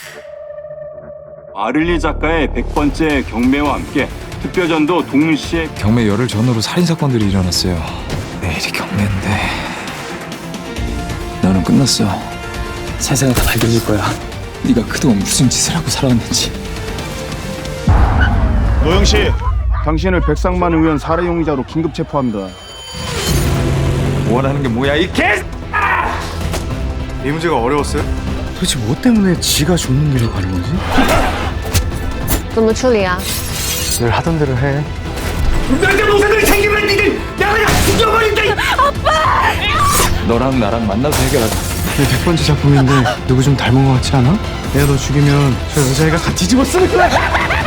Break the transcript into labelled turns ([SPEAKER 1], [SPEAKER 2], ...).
[SPEAKER 1] 아를리 작가의 100번째 경매와 함께 특별전도 동시에
[SPEAKER 2] 경매 열흘 전후로 살인사건들이 일어났어요. 내일이 경매인데 너는 끝났어.
[SPEAKER 3] 세상에 다 밝혀질 거야.
[SPEAKER 2] 네가 그동안 무슨 짓을 하고 살아왔는지.
[SPEAKER 4] 노영 씨, 당신을 백상만 의원 살해 용의자로 긴급 체포합니다.
[SPEAKER 2] 원하는 게 뭐야 이 개!
[SPEAKER 4] 이 문제가 어려웠어요?
[SPEAKER 3] 도대체 뭐 때문에 지가 죽는 길로 가는 거지?
[SPEAKER 5] 怎么处理啊？
[SPEAKER 3] 늘 하던 대로 해.
[SPEAKER 2] 너랑 나랑 만나서 해결하자.
[SPEAKER 3] 내 100번째 작품인데 누구 좀 닮은 것 같지 않아? 내가 너 죽이면 저 여자애가 다 뒤집어 쓰는 거야.